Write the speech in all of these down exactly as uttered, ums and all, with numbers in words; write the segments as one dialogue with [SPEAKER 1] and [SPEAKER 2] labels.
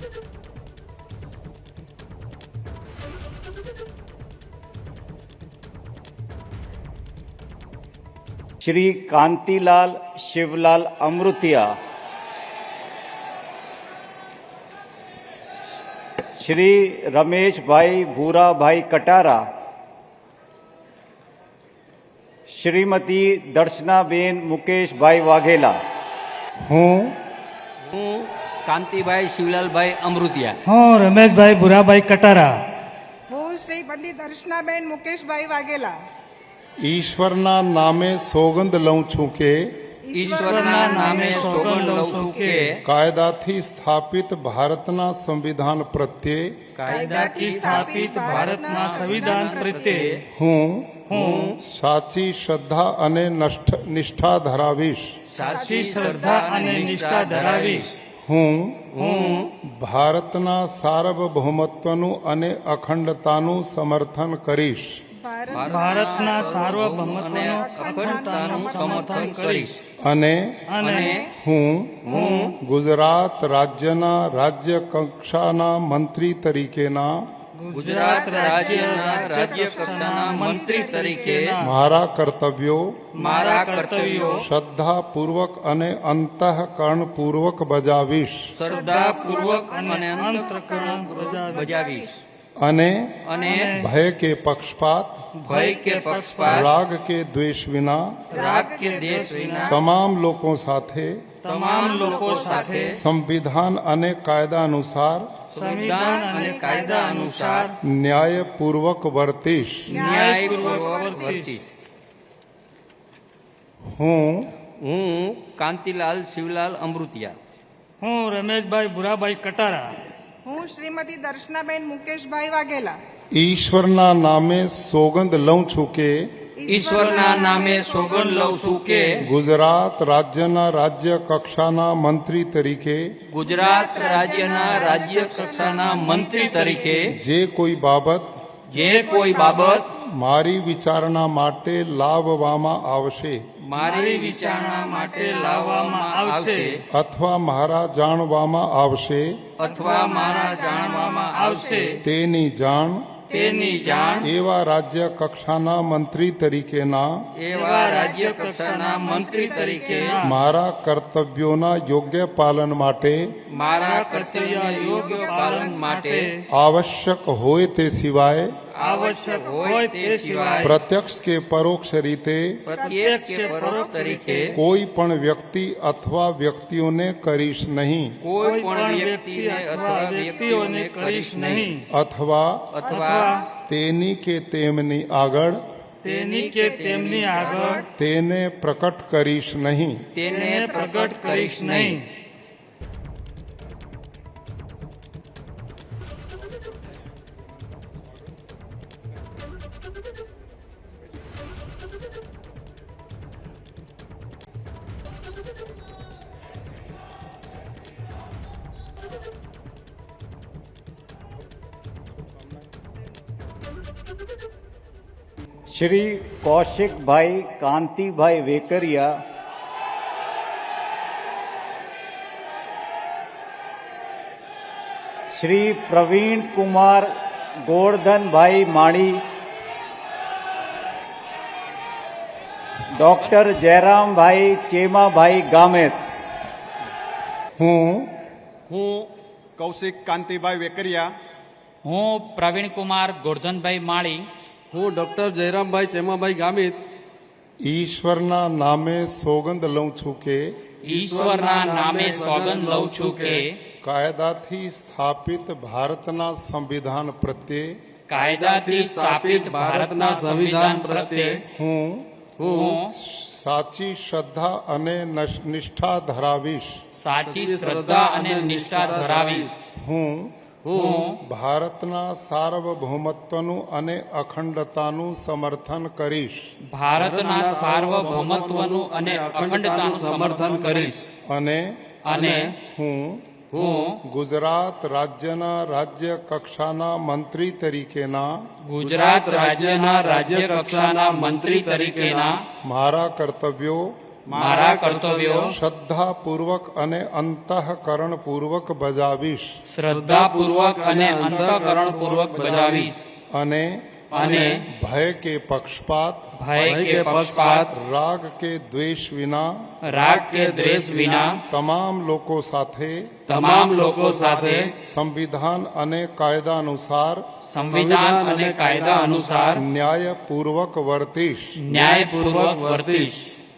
[SPEAKER 1] श्री कांतिलाल शिवलाल अमृतिया, श्री रमेश भाई भूरा भाई कटारा, श्रीमती दर्शनाबेन मुकेश भाई वाघेला।
[SPEAKER 2] हूँ
[SPEAKER 3] હું કાંતિભાઈ શિવલાલભાઈ અમૃતિયા
[SPEAKER 4] હું રમેશભાઈ ભૂરાભાઈ કટારા
[SPEAKER 5] હું શ્રી પંડિત દર્શનાબેન મુકેશભાઈ વાઘેલા
[SPEAKER 2] ઈશ્વરના નામે સોગંદ લઉં છું કે
[SPEAKER 3] ઈશ્વરના નામે સોગંદ લઉં છું કે
[SPEAKER 2] કાયદાથી સ્થાપિત ભારતના સંવિધાન પ્રત્યે
[SPEAKER 4] કાયદાથી સ્થાપિત ભારતના સંવિધાન પ્રત્યે
[SPEAKER 2] હું
[SPEAKER 4] હું
[SPEAKER 2] સાચી શ્રદ્ધા અને નષ્ઠ- નિષ્ઠા ધરાવીશ।
[SPEAKER 4] સાચી શ્રદ્ધા અને નિષ્ઠા ધરાવીશ।
[SPEAKER 2] હું
[SPEAKER 4] હું
[SPEAKER 2] ભારતના સાર્વભૌમત્વનું અને અખંડતાનું સમર્થન કરીશ।
[SPEAKER 4] ભારતના સાર્વભૌમત્વનું અખંડતાનું સમર્થન કરીશ
[SPEAKER 2] અને
[SPEAKER 4] અને
[SPEAKER 2] હું
[SPEAKER 4] હું
[SPEAKER 2] ગુજરાત રાજ્યના રાજ્ય કક્ષાના મંત્રી તરીકેના
[SPEAKER 4] ગુજરાત રાજ્યના રાજ્ય કક્ષાના મંત્રી તરીકે
[SPEAKER 2] મારા કર્તવ્યો
[SPEAKER 4] મારા કર્તવ્યો
[SPEAKER 2] શ્રદ્ધાપૂર્વક અને અંતઃકરણપૂર્વક બજાવીશ
[SPEAKER 4] શ્રદ્ધાપૂર્વક અને અંતઃકરણ
[SPEAKER 3] બજાવીશ
[SPEAKER 2] અને
[SPEAKER 3] અને
[SPEAKER 2] ભય કે પક્ષપાત
[SPEAKER 4] ભય કે પક્ષપાત
[SPEAKER 2] રાગ કે દ્વેષ વિના
[SPEAKER 4] રાગ કે દેશ વિના
[SPEAKER 2] તમામ લોકો સાથે
[SPEAKER 4] તમામ લોકો સાથે
[SPEAKER 2] સંવિધાન અને કાયદા અનુસાર
[SPEAKER 4] સંવિધાન અને કાયદા અનુસાર
[SPEAKER 2] ન્યાયપૂર્વક વર્તીશ।
[SPEAKER 4] ન્યાયપૂર્વક વર્તીશ।
[SPEAKER 2] હું
[SPEAKER 3] હું કાંતિલાલ શિવલાલ અમૃતિયા
[SPEAKER 4] હું રમેશભાઈ ભૂરાભાઈ કટારા
[SPEAKER 5] હું શ્રીમતી દર્શનાબેન મુકેશભાઈ વાઘેલા
[SPEAKER 2] ઈશ્વરના નામે સોગંદ લઉં છું કે
[SPEAKER 3] ઈશ્વરના નામે સોગંદ લઉં છું કે
[SPEAKER 2] ગુજરાત રાજ્યના રાજ્ય કક્ષાના મંત્રી તરીકે
[SPEAKER 3] ગુજરાત રાજ્યના રાજ્ય કક્ષાના મંત્રી તરીકે
[SPEAKER 2] જે કોઈ બાબત
[SPEAKER 3] જે કોઈ બાબત
[SPEAKER 2] મારી વિચારણા માટે લાવવામાં આવશે
[SPEAKER 3] મારી વિચારણા માટે લાવવામાં આવશે
[SPEAKER 2] અથવા મારા જાણવામાં આવશે
[SPEAKER 3] અથવા મારા જાણવામાં આવશે
[SPEAKER 2] તેની જાણ
[SPEAKER 3] તેની જાણ
[SPEAKER 2] એવા રાજ્ય કક્ષાના મંત્રી તરીકેના
[SPEAKER 3] એવા રાજ્ય કક્ષાના મંત્રી તરીકે
[SPEAKER 2] મારા કર્તવ્યોના યોગ્ય પાલન માટે
[SPEAKER 3] મારા કર્તવ્ય યોગ્ય પાલન માટે
[SPEAKER 2] આવશ્યક હોય તે સિવાય
[SPEAKER 4] આવશ્યક હોય તે સિવાય
[SPEAKER 2] પ્રત્યક્ષ કે પરોક્ષ રીતે
[SPEAKER 3] પ્રત્યક્ષ કે પરોક્ષ તરીકે
[SPEAKER 2] કોઈ પણ વ્યક્તિ અથવા વ્યક્તિઓને કરીશ નહીં
[SPEAKER 3] કોઈ પણ વ્યક્તિને અથવા વ્યક્તિઓને કરીશ નહીં
[SPEAKER 2] અથવા
[SPEAKER 3] અથવા
[SPEAKER 2] તેની કે તેમની આગળ
[SPEAKER 4] તેની કે તેમની આગળ
[SPEAKER 2] તેને પ્રકટ કરીશ નહીં।
[SPEAKER 3] તેને
[SPEAKER 4] પ્રગટ કરીશ નહીં।
[SPEAKER 1] श्री कौशिक भाई कांति भाई वेकरिया, श्री प्रवीण कुमार गोवर्धन भाई माणी, डॉक्टर जयराम भाई चेमा भाई गामेत।
[SPEAKER 2] હું
[SPEAKER 6] હું કૌશિક કાંતિભાઈ વેકરિયા
[SPEAKER 7] હું પ્રવીણ કુમાર ગોરધનભાઈ માળી
[SPEAKER 6] હું ડોક્ટર જયરામભાઈ ચેમાભાઈ ગામિત
[SPEAKER 2] ઈશ્વરના નામે સોગંદ લઉં છું કે
[SPEAKER 7] ઈશ્વરના નામે સોગંદ લઉં છું કે
[SPEAKER 2] કાયદાથી સ્થાપિત ભારતના સંવિધાન પ્રત્યે
[SPEAKER 7] કાયદાથી સ્થાપિત ભારતના સંવિધાન પ્રત્યે
[SPEAKER 2] હું
[SPEAKER 7] હું
[SPEAKER 2] સાચી શ્રદ્ધા અને નશ- નિષ્ઠા ધરાવીશ।
[SPEAKER 7] સાચી શ્રદ્ધા અને નિષ્ઠા ધરાવીશ।
[SPEAKER 2] હું
[SPEAKER 7] હું
[SPEAKER 2] ભારતના સાર્વભૌમત્વનું અને અખંડતાનું સમર્થન કરીશ
[SPEAKER 7] ભારતના સાર્વભૌમત્વનું અને અખંડતાનું સમર્થન કરીશ
[SPEAKER 2] અને
[SPEAKER 7] અને
[SPEAKER 2] હું
[SPEAKER 7] હું
[SPEAKER 2] ગુજરાત રાજ્યના રાજ્ય કક્ષાના મંત્રી તરીકેના
[SPEAKER 7] ગુજરાત રાજ્યના રાજ્ય કક્ષાના મંત્રી તરીકેના
[SPEAKER 2] મારા કર્તવ્યો
[SPEAKER 7] મારા કર્તવ્યો
[SPEAKER 2] શ્રદ્ધાપૂર્વક અને અંતઃકરણપૂર્વક બજાવીશ
[SPEAKER 7] શ્રદ્ધાપૂર્વક અને અંતઃકરણપૂર્વક બજાવીશ
[SPEAKER 2] અને
[SPEAKER 7] અને
[SPEAKER 2] ભય કે પક્ષપાત
[SPEAKER 7] ભય કે પક્ષપાત
[SPEAKER 2] રાગ કે દ્વેષ વિના
[SPEAKER 7] રાગ કે દ્વેષ વિના
[SPEAKER 2] તમામ લોકો સાથે
[SPEAKER 7] તમામ લોકો સાથે
[SPEAKER 2] સંવિધાન અને કાયદા અનુસાર
[SPEAKER 7] સંવિધાન અને કાયદા અનુસાર
[SPEAKER 2] ન્યાયપૂર્વક વર્તીશ
[SPEAKER 7] ન્યાયપૂર્વક વર્તીશ.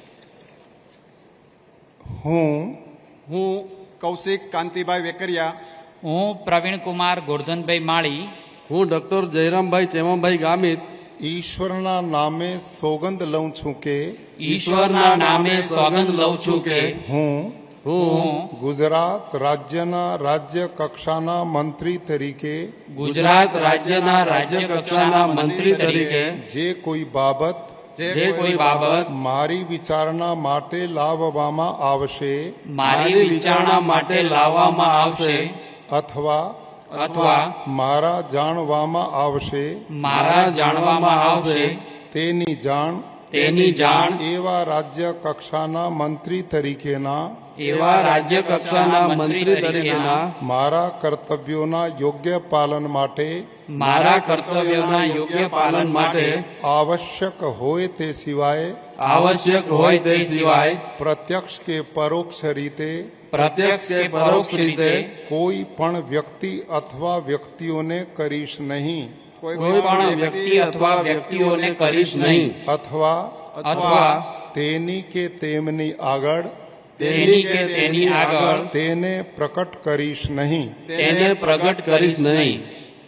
[SPEAKER 2] હું
[SPEAKER 6] હું કૌશિક કાંતિભાઈ વેકરિયા
[SPEAKER 7] હું પ્રવીણકુમાર ગોરધનભાઈ માળી
[SPEAKER 6] હું ડોક્ટર જયરામભાઈ ચેમાભાઈ ગામિત
[SPEAKER 2] ઈશ્વરના નામે સોગંદ લઉં છું કે
[SPEAKER 7] ઈશ્વરના નામે સોગંદ લઉં છું કે
[SPEAKER 2] હું
[SPEAKER 7] હું
[SPEAKER 2] ગુજરાત રાજ્યના રાજ્ય કક્ષાના મંત્રી તરીકે
[SPEAKER 7] ગુજરાત રાજ્યના રાજ્ય કક્ષાના મંત્રી તરીકે
[SPEAKER 2] જે કોઈ બાબત
[SPEAKER 7] જે કોઈ બાબત
[SPEAKER 2] મારી વિચારણા માટે લાવવામાં આવશે
[SPEAKER 7] મારી વિચારણા માટે લાવવામાં આવશે
[SPEAKER 2] અથવા
[SPEAKER 7] અથવા
[SPEAKER 2] મારા જાણવામાં આવશે
[SPEAKER 7] મારા જાણવામાં આવશે
[SPEAKER 2] તેની જાણ
[SPEAKER 7] તેની જાણ
[SPEAKER 2] એવા રાજ્ય કક્ષાના મંત્રી તરીકેના
[SPEAKER 7] એવા રાજ્ય કક્ષાના મંત્રી તરીકેના
[SPEAKER 2] મારા કર્તવ્યોના યોગ્ય પાલન માટે
[SPEAKER 7] મારા કર્તવ્યોના યોગ્ય પાલન માટે
[SPEAKER 2] આવશ્યક હોય તે સિવાય
[SPEAKER 7] આવશ્યક હોય તે સિવાય
[SPEAKER 2] પ્રત્યક્ષ કે પરોક્ષ રીતે
[SPEAKER 7] પ્રત્યક્ષ કે પરોક્ષ રીતે
[SPEAKER 2] કોઈ પણ વ્યક્તિ અથવા વ્યક્તિઓને કરીશ નહીં
[SPEAKER 7] કોઈ પણ વ્યક્તિ અથવા વ્યક્તિઓને કરીશ નહીં
[SPEAKER 2] અથવા
[SPEAKER 7] અથવા
[SPEAKER 2] તેની કે તેમની આગળ
[SPEAKER 7] તેની કે તેની આગળ
[SPEAKER 2] તેને પ્રકટ કરીશ નહીં
[SPEAKER 7] તેને પ્રગટ કરીશ નહીં.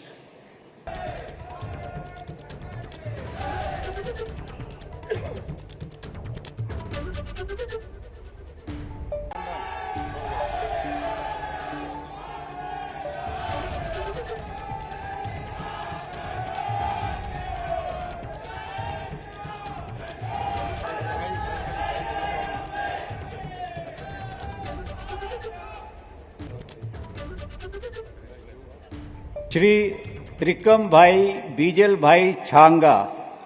[SPEAKER 1] શ્રી ત્રિકમભાઈ બીજલભાઈ છાંગા,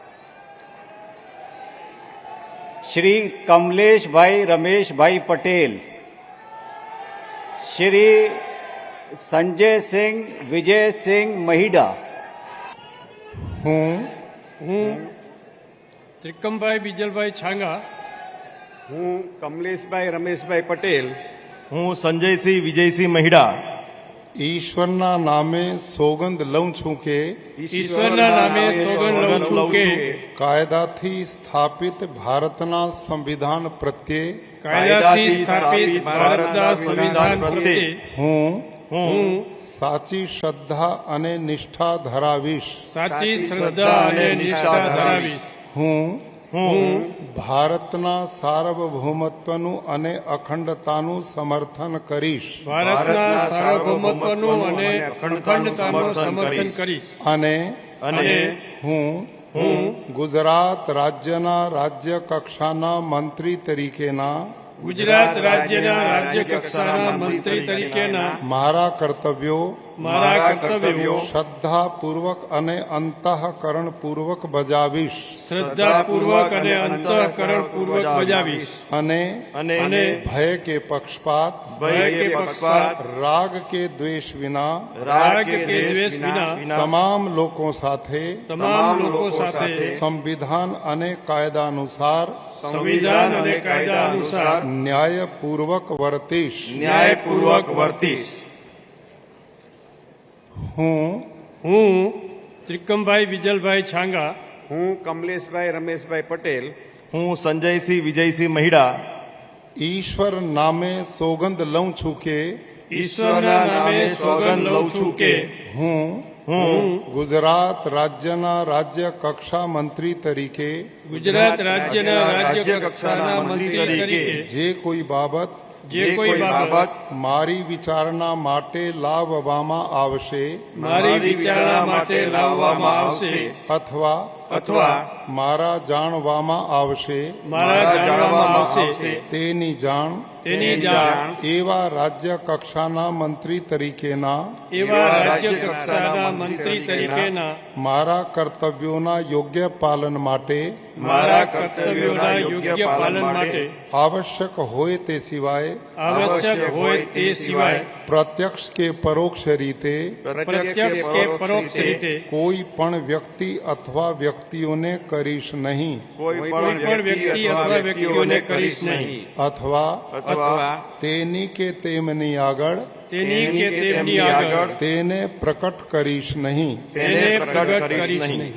[SPEAKER 1] શ્રી કમલેશભાઈ રમેશભાઈ પટેલ, શ્રી સંજયસિંહ વિજયસિંહ મહિડા.
[SPEAKER 2] હું
[SPEAKER 4] હું ત્રિકમભાઈ બીજલભાઈ છાંગા
[SPEAKER 6] હું કમલેશભાઈ રમેશભાઈ પટેલ
[SPEAKER 8] હું સંજયસિંહ વિજયસિંહ મહિડા
[SPEAKER 2] ઈશ્વરના નામે સોગંદ લઉં છું કે
[SPEAKER 4] ઈશ્વરના નામે સોગંદ લઉં છું કે
[SPEAKER 2] કાયદાથી સ્થાપિત ભારતના સંવિધાન પ્રત્યે
[SPEAKER 4] કાયદાથી સ્થાપિત ભારતના સંવિધાન પ્રત્યે
[SPEAKER 2] હું
[SPEAKER 4] હું
[SPEAKER 2] સાચી શ્રદ્ધા અને નિષ્ઠા ધરાવીશ
[SPEAKER 4] સાચી શ્રદ્ધા અને નિષ્ઠા ધરાવીશ.
[SPEAKER 2] હું
[SPEAKER 4] હું
[SPEAKER 2] ભારતના સાર્વભૌમત્વનું અને અખંડતાનું સમર્થન કરીશ
[SPEAKER 4] ભારતના સાર્વભૌમત્વનું અને અખંડતાનું સમર્થન કરીશ
[SPEAKER 2] અને
[SPEAKER 8] અને
[SPEAKER 2] હું
[SPEAKER 4] હું
[SPEAKER 2] ગુજરાત રાજ્યના રાજ્ય કક્ષાના મંત્રી તરીકેના
[SPEAKER 4] ગુજરાત રાજ્યના રાજ્ય કક્ષાના મંત્રી તરીકેના
[SPEAKER 2] મારા કર્તવ્યો
[SPEAKER 4] મારા કર્તવ્યો
[SPEAKER 2] શ્રદ્ધાપૂર્વક અને અંતઃકરણપૂર્વક બજાવીશ
[SPEAKER 4] શ્રદ્ધાપૂર્વક અને અંતઃકરણપૂર્વક બજાવીશ
[SPEAKER 2] અને
[SPEAKER 8] અને
[SPEAKER 4] અને
[SPEAKER 2] ભય કે પક્ષપાત
[SPEAKER 4] ભય કે પક્ષપાત
[SPEAKER 2] રાગ કે દ્વેષ વિના
[SPEAKER 4] રાગ કે દ્વેષ વિના
[SPEAKER 2] તમામ લોકો સાથે
[SPEAKER 4] તમામ લોકો સાથે
[SPEAKER 2] સંવિધાન અને કાયદા અનુસાર
[SPEAKER 4] સંવિધાન અને કાયદા અનુસાર
[SPEAKER 2] ન્યાયપૂર્વક વર્તીશ
[SPEAKER 8] ન્યાયપૂર્વક વર્તીશ.
[SPEAKER 2] હું
[SPEAKER 4] હું ત્રિકમભાઈ બીજલભાઈ છાંગા
[SPEAKER 6] હું કમલેશભાઈ રમેશભાઈ પટેલ
[SPEAKER 8] હું સંજયસિંહ વિજયસિંહ મહિડા
[SPEAKER 2] ઈશ્વર નામે સોગંદ લઉં છું કે
[SPEAKER 4] ઈશ્વરના નામે સોગંદ લઉં છું કે
[SPEAKER 2] હું
[SPEAKER 8] હું
[SPEAKER 2] ગુજરાત રાજ્યના રાજ્ય કક્ષા મંત્રી તરીકે
[SPEAKER 4] ગુજરાત રાજ્યના રાજ્ય કક્ષાના મંત્રી તરીકે
[SPEAKER 2] જે કોઈ બાબત
[SPEAKER 4] જે કોઈ બાબત
[SPEAKER 2] મારી વિચારણા માટે લાવવામાં આવશે
[SPEAKER 4] મારી વિચારણા માટે લાવવામાં આવશે
[SPEAKER 2] અથવા
[SPEAKER 6] અથવા
[SPEAKER 2] મારા જાણવામાં આવશે
[SPEAKER 4] મારા જાણવામાં આવશે
[SPEAKER 2] તેની જાણ
[SPEAKER 4] તેની જાણ
[SPEAKER 2] એવા રાજ્ય કક્ષાના મંત્રી તરીકેના
[SPEAKER 4] એવા રાજ્ય કક્ષાના મંત્રી તરીકેના
[SPEAKER 2] મારા કર્તવ્યોના યોગ્ય પાલન માટે
[SPEAKER 4] મારા કર્તવ્યોના યોગ્ય પાલન માટે
[SPEAKER 2] આવશ્યક હોય તે સિવાય
[SPEAKER 4] આવશ્યક હોય તે સિવાય
[SPEAKER 2] પ્રત્યક્ષ કે પરોક્ષ રીતે
[SPEAKER 4] પ્રત્યક્ષ કે પરોક્ષ રીતે
[SPEAKER 2] કોઈ પણ વ્યક્તિ અથવા વ્યક્તિઓને કરીશ નહીં
[SPEAKER 6] કોઈ
[SPEAKER 4] કોઈ પણ વ્યક્તિ અથવા વ્યક્તિઓને કરીશ નહીં
[SPEAKER 2] અથવા
[SPEAKER 6] અથવા
[SPEAKER 2] તેની કે તેમની આગળ
[SPEAKER 4] તેની કે તેમની આગળ
[SPEAKER 2] તેને પ્રકટ કરીશ નહીં
[SPEAKER 4] તેને પ્રગટ કરીશ નહીં.